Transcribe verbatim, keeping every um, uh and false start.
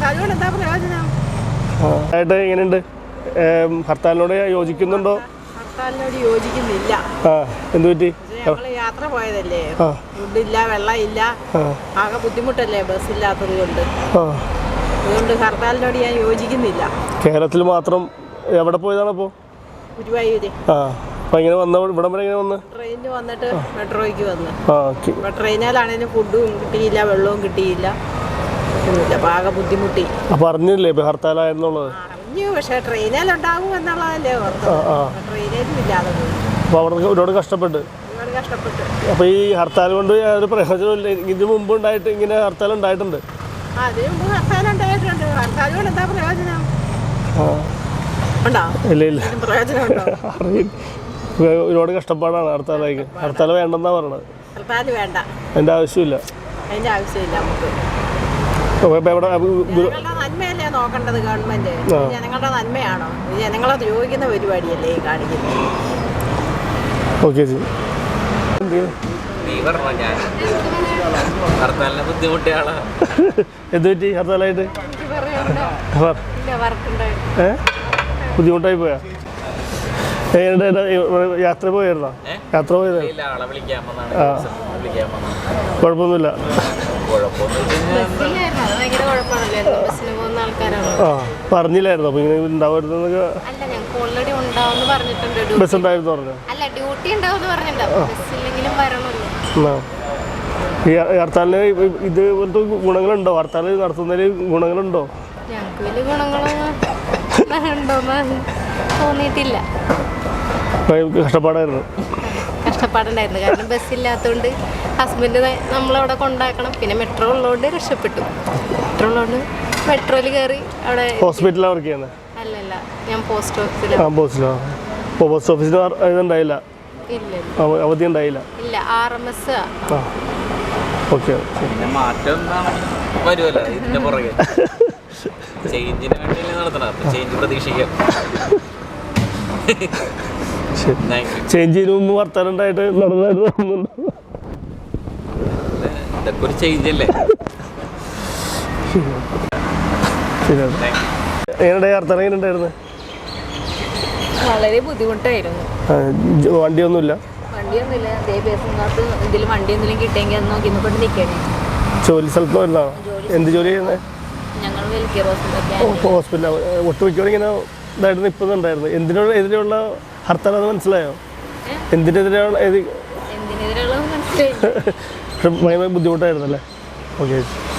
അതുകൊണ്ട് എന്താ പ്രയോജനം? ആയിട്ട് എങ്ങനെയുണ്ട്? ഹർത്താലിനോട് യോജിക്കുന്നുണ്ടോ? ഹർത്താലിനോട് യോജിക്കുന്നില്ല. ആ എന്ത് പറ്റി? ഞങ്ങള് യാത്ര പോയതല്ലേ, ഫുഡില്ല, വെള്ളം ഇല്ല, ആകെ ബുദ്ധിമുട്ടല്ലേ ബസ് ഇല്ലാത്തത് കൊണ്ട്. അതുകൊണ്ട് ഹർത്താലിനോട് ഞാൻ യോജിക്കുന്നില്ല. കേരളത്തിൽ മാത്രം എവിടെ പോയതാണ് അപ്പോൾ? ഗുരുവായൂര്. ആ അപ്പം ഇങ്ങനെ വന്ന ഇവിടെ വരെ ഇങ്ങനെ വന്ന് ട്രെയിനിന് വന്നിട്ട് മെട്രോയ്ക്ക് വന്ന്. ആ ഓക്കെ. അപ്പം ട്രെയിനിലാണെങ്കിലും ഫുഡും കിട്ടിയില്ല, വെള്ളവും കിട്ടിയില്ല, അപ്പം ആകെ ബുദ്ധിമുട്ടി. അപ്പം അറിഞ്ഞില്ലേ ഇപ്പം ഹർത്താലായെന്നുള്ളത്? അറിഞ്ഞു, പക്ഷേ ട്രെയിനിലുണ്ടാകും എന്നുള്ളതല്ലേ ഓർത്ത്. ട്രെയിനിലും ഇല്ലാതെ പോയി. അപ്പോൾ അവിടെ ഒരുപാട് കഷ്ടപ്പെട്ട് ഒരുപാട് കഷ്ടപ്പെട്ടു. അപ്പോൾ ഈ ഹർത്താൽ കൊണ്ട് ഒരു പ്രയോജനമില്ല. ഇതിന് മുമ്പ് ഉണ്ടായിട്ട് ഇങ്ങനെ ഹർത്താൽ ഉണ്ടായിട്ടുണ്ട്. ആ അതിന് മുമ്പ് ഹർത്താൽ ഉണ്ടായിട്ടുണ്ട്. ഹർത്താൽ കൊണ്ട് എന്താ പ്രയോജനം? ഉണ്ടോ? ഇല്ല ഇല്ല, പ്രയോജനം ഉണ്ടോ? ഒരുപാട് കഷ്ടപ്പാടാണ് ഹർത്താലേക്ക്. ഹർത്താൽ വേണ്ടെന്നാ പറയണത്. ഹർത്താൽ വേണ്ട, അതിൻ്റെ ആവശ്യമില്ല. അതിൻ്റെ ആവശ്യമില്ല നമുക്ക്. ജനങ്ങളുടെ നന്മയല്ലേ നോക്കേണ്ടത് ഗവൺമെന്റ്? ജനങ്ങളുടെ നന്മയാണോ? ജനങ്ങളെ ദ്രോഹിക്കുന്ന പരിപാടിയല്ലേ ഈ കാണിക്കുന്നത്? ഓക്കെ ജി. എന്ത് പറ്റി ഹർത്താലായിട്ട്? ഏ ബുദ്ധിമുട്ടായി പോയാ? യാത്ര പോയായിരുന്നോ? യാത്ര പോയത്? കുഴപ്പമൊന്നുമില്ല. ആ പറഞ്ഞില്ലായിരുന്നു അപ്പോൾ ഇങ്ങനെ ഉണ്ടാവരുതെന്നൊക്കെ? ബസ് ഉണ്ടായിരുന്നു പറഞ്ഞു. ഈ ഹർത്താലിന് ഇതുപോലത്തെ ഗുണങ്ങളുണ്ടോ? ഹർത്താൽ നടത്തുന്നതിൽ ഗുണങ്ങളുണ്ടോ? തോന്നിയിട്ടില്ല. കഷ്ടപ്പാടായിരുന്നു. കഷ്ടപ്പാടുണ്ടായിരുന്നു, കാരണം ബസ്സില്ലാത്തതുകൊണ്ട് ഹസ്ബൻഡ് നമ്മളവിടെ കൊണ്ടാക്കണം. പിന്നെ മെട്രോ ഉള്ളതുകൊണ്ട് രക്ഷപ്പെട്ടു. മെട്രോ ഉള്ളതുകൊണ്ട് മെട്രോയിൽ കയറി അവിടെ. ഹോസ്പിറ്റലിലാണ് വർക്ക് ചെയ്യുന്നത്? അല്ലല്ല, ഞാൻ പോസ്റ്റ് ഓഫീസിലാണ്. ആ പോസ്റ്റിലോ? അപ്പോൾ പോസ്റ്റ് ഓഫീസിൽ ഇതുണ്ടായില്ല? ഇല്ല, അവധി ഉണ്ടായില്ല. ഇല്ല, ആർ എം എസ്. ആ ഓക്കെ. മാറ്റം വരുമല്ലോ ഇതിന്റെ പുറകെ. ചേഞ്ചിന് വേണ്ടി നടത്തണം, ചേഞ്ച് പ്രതീക്ഷിക്കാം. ചേഞ്ച് ചെയ്യുന്ന മുമ്പ് വർത്താനുണ്ടായിട്ട് നടന്നായിട്ട് ഇതൊക്കെ ഒരു ചേഞ്ച് അല്ലേ? എങ്ങനെ ഹർത്താൽ എങ്ങനെ ഉണ്ടായിരുന്നു? വളരെ ബുദ്ധിമുട്ടായിരുന്നു. വണ്ടിയൊന്നുമില്ല? വണ്ടിയൊന്നുമില്ല. അതേ ബസ്സിനകത്ത് ഇതിൽ വണ്ടി എന്തെങ്കിലും കിട്ടിയെങ്കിൽ അത് നോക്കി കൊണ്ട് നിൽക്കണേ. ജോലി സ്ഥലത്ത് വരുന്നതാണോ? എന്ത് ജോലി ചെയ്യുന്നത്? ഞങ്ങൾ വെൽക്കെയർ ഹോസ്പിറ്റൽ. ഒട്ടുമിക്കോടെ ഇങ്ങനെ ഇതായിരുന്നു ഇപ്പം ഉണ്ടായിരുന്നു. എന്തിനോട് എതിരെയുള്ള ഹർത്താൽ അത് മനസ്സിലായോ? എന്തിനെതിരെയുള്ള എന്തിനെതിരെയുള്ള മനസ്സിലായി. പക്ഷെ ഭയങ്കര ബുദ്ധിമുട്ടായിരുന്നല്ലേ? ഓക്കെ.